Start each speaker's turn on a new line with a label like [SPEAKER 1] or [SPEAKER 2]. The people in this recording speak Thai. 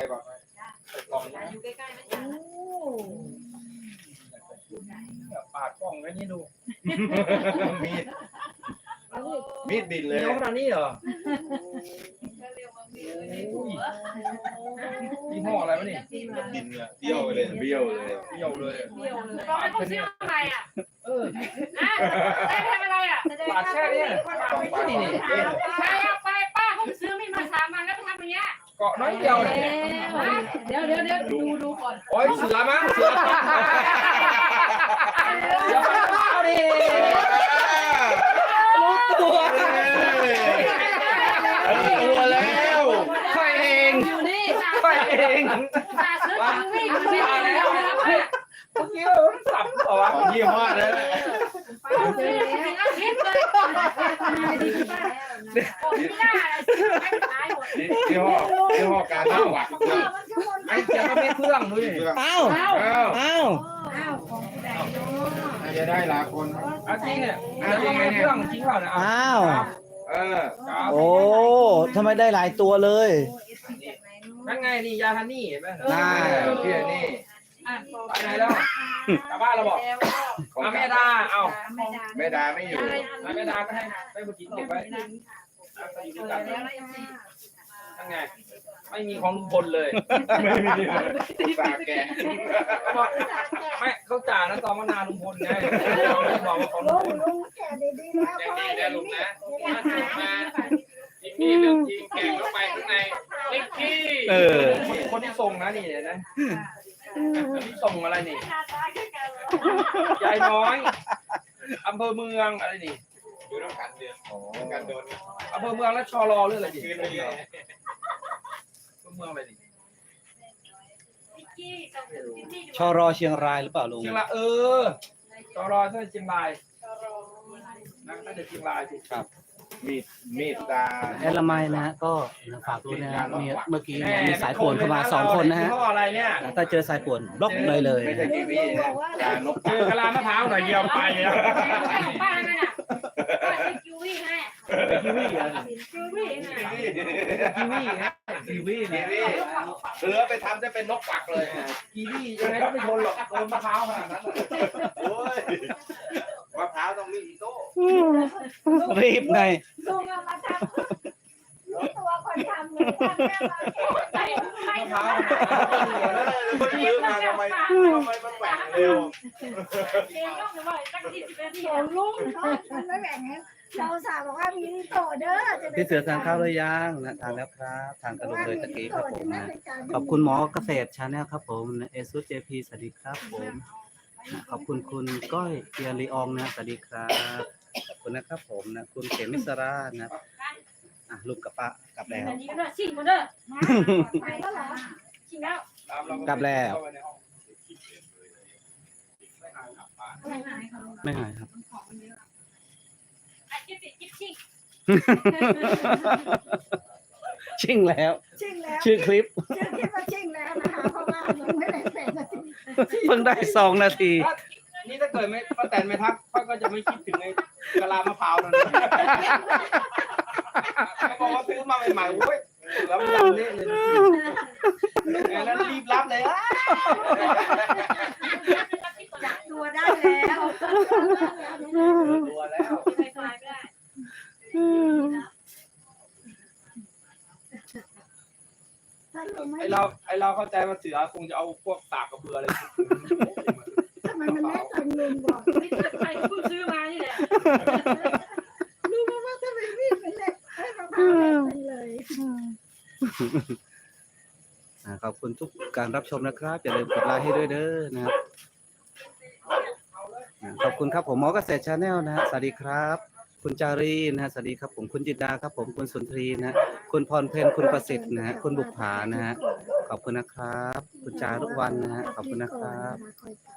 [SPEAKER 1] ป่ะใส่กล่องนะ
[SPEAKER 2] อยู่ใกล้ๆนะจ๊ะ
[SPEAKER 1] ปาดกล่องไว้นี่ดู
[SPEAKER 3] มีดบินเลย
[SPEAKER 1] น้องขนาดนี้เหรอ
[SPEAKER 2] ก็เรียกว่ามีในหัว
[SPEAKER 1] ยี่ห้ออะไรวะนี่
[SPEAKER 3] บินเลยเบี้ยวเลยเบี้ยวเลย
[SPEAKER 1] เบี้ยวเลย
[SPEAKER 2] เบี้ยวเลย
[SPEAKER 4] บอกให้ผมซื้ออะไรอ่ะ
[SPEAKER 1] เออ
[SPEAKER 4] ได้ทำอะไรอ่ะ
[SPEAKER 1] ปาดแค่นี้นี่นี่
[SPEAKER 4] ใครเอาไปป้าผมซื้อมีมา3 วันแล้วไปทำอย่างเงี้ย
[SPEAKER 1] เกาะน้อยเดียวเลย
[SPEAKER 2] เดี๋ยวดูก่อน
[SPEAKER 1] โอ้ยเสือมั้งเสือเดี๋ยวเอาดิรู้ตัว
[SPEAKER 3] ตัวแล้ว
[SPEAKER 1] ค่อยเอง
[SPEAKER 2] อยู่นี่
[SPEAKER 1] ค่อยเอง
[SPEAKER 4] ป้าซื้อของวิ่งวิ่งแล้วนะ
[SPEAKER 1] เมื่อกี้เราสับเหรอวะ
[SPEAKER 3] ของยี่ห้อแล้ว
[SPEAKER 4] ป้าซื้อถึงอาทิตย์เลยผมไม่ได้ไม่ขายหมด
[SPEAKER 3] ยี่ห้อการเล่าหวัด
[SPEAKER 1] ไอ้เจ้าก็ไม่เครื่องด้วย
[SPEAKER 5] อ้าวอ้าว
[SPEAKER 2] อ้าวของผู้ใดเนาะ
[SPEAKER 3] จะได้หลายคน
[SPEAKER 1] เอาจริงเนี่ยเอาจริงไม่เครื่องจริงเปล่าเนี่ย
[SPEAKER 5] อ้าว
[SPEAKER 3] เออ
[SPEAKER 5] โอ้ทำไมได้หลายตัวเลย
[SPEAKER 1] นั่นไงนี่ยาฮันนี่เห็นไหม
[SPEAKER 5] น่า
[SPEAKER 3] พี่นี่
[SPEAKER 1] ไปไหนแล้วกลับบ้านเราบอกเอาแม่ดาเอา
[SPEAKER 3] แม่ดาไม่อยู่
[SPEAKER 1] แม่ดาก็ให้ไปบุกินเก็บไว้อยู่ด้วยกันนั่นไงไม่มีของลุงพลเลย
[SPEAKER 3] ไม่มีฝากแก
[SPEAKER 1] ไม่เขาจ่านะตอนมานานลุงพลไงบอกว่าของลุงพล
[SPEAKER 6] ยังดีนะลุงนะมาจริงนี่เรื่องจริงแกงเข้าไปข้างในเล็กที่
[SPEAKER 5] เออ
[SPEAKER 1] คนที่ส่งนะนี่นะคนที่ส่งอะไรนี่ยายน้อยอำเภอเมืองอะไรนี่
[SPEAKER 3] ดูต้องการเดือนการโดน
[SPEAKER 1] อำเภอเมืองและชอรอเรื่องอะไรดิ
[SPEAKER 3] คืนไปเลย
[SPEAKER 1] เมืองอะไรดิ
[SPEAKER 5] ชรเชียงรายหรือเปล่าลุง
[SPEAKER 1] เชียงรายชอรอใช่เชียงรายน่าจะเชียงรายสิครับ
[SPEAKER 3] มีดตา
[SPEAKER 5] แอดละไมนะฮะก็ฝากด้วยนะฮะมีเมื่อกี้มีสายป่วนเข้ามา2 คนนะฮะ
[SPEAKER 1] ยี่ห้ออะไรเนี่ย
[SPEAKER 5] ถ้าเจอสายป่วนบล็อกเลย
[SPEAKER 3] ไม่ใช่กีวีตานก
[SPEAKER 1] เจอกะลามะพร้าวหน่อยเดียวไปแล้ว
[SPEAKER 4] ของป้านั่นน่ะป้าซื้อคิววี่ให้
[SPEAKER 1] กีวีอ่ะ
[SPEAKER 4] คิววี่น่ะ
[SPEAKER 1] กีวีนะกีวี
[SPEAKER 3] กี
[SPEAKER 1] นะ
[SPEAKER 3] วีเสือไปทำจะเป็นนกปักเลย
[SPEAKER 1] กีวียังไงก็ไม่ทนหรอกโดนมะพร้าวขนาดนั้น
[SPEAKER 3] โอ้ยมะพร้าวต้องมีอีโต้
[SPEAKER 5] รีบไง
[SPEAKER 6] ลุงเอามาทำรู้ตัวคนทำเลยทำแม่มา
[SPEAKER 4] ใส่ใส่
[SPEAKER 1] มะพร้าว
[SPEAKER 3] มันซื้อมาทำไมมันแหว่งเร็ว
[SPEAKER 4] เองต้องเลยว่าตั้ง40 นาที
[SPEAKER 6] ของลุงมันไม่แบ่งให้เราสาวบอกว่ามีนิโตเด้อ
[SPEAKER 5] พี่เสือทานข้าวหรือยังนะทานแล้วครับทานกระดูกเลยตะกี้ครับผมนะขอบคุณหมอเกษตรชาแนลครับผมเอซูเจพีสวัสดีครับผมขอบคุณคุณก้อยเกียร์ลีอองนะสวัสดีครับขอบคุณนะครับผมนะคุณเขมิสรานะลูกกับป้ากลับแล้ว
[SPEAKER 4] อันนี้ก็ได้ชิมกันเด้อ
[SPEAKER 6] ไปแล้วเหรอ
[SPEAKER 4] ชิมแล้ว
[SPEAKER 5] กลับแล้วไม่หายครับ
[SPEAKER 4] อ่ะจิ๊บชิง
[SPEAKER 5] ชิ่งแล้ว
[SPEAKER 6] ชิ่งแล้ว
[SPEAKER 5] ชื่อคลิป
[SPEAKER 6] ชื่อคิดว่าชิ่งแล้วนะคะเพราะว่ามันไม่ได้เป็นนาที
[SPEAKER 5] เพิ่งได้2 นาที
[SPEAKER 1] นี่ถ้าเกิดไม่ป้าแตนไม่ทักเขาก็จะไม่คิดถึงไอ้กะลามะพร้าวนั่นเขาบอกว่าซื้อมาใหม่ๆโอ้ยแล้วมันดังเละเลยแล้วรีบรับเลย
[SPEAKER 6] จับตัวได้แล้ว
[SPEAKER 1] ตัวแล้ว
[SPEAKER 4] ไฟไฟไม่ได้
[SPEAKER 6] ถ้าลุงไม่
[SPEAKER 1] ไอเราเข้าใจว่าเสือคงจะเอาพวกตากกระเบืออะไร
[SPEAKER 6] ทำไมมันไม่เป็นลุงบอก
[SPEAKER 4] ไม่เกิดใครเพิ่งซื้อมานี่แหละ
[SPEAKER 6] ลุงบอกว่าทำไมวิ่งเป็นเลยให้มะพร้าวเป็นเลย
[SPEAKER 5] ขอบคุณทุกการรับชมนะครับอย่าลืมกดไลค์ให้ด้วยเด้อนะครับขอบคุณครับผมหมอเกษตรชาแนลนะฮะสวัสดีครับ คุณจารีนะฮะสวัสดีครับผมคุณจิตดาครับผมคุณสุนทรีนะฮะคุณพรเพนคุณประสิทธิ์นะฮะคุณบุภานะฮะขอบคุณนะครับ คุณจารุวันนะฮะขอบคุณนะครับ
[SPEAKER 6] คอย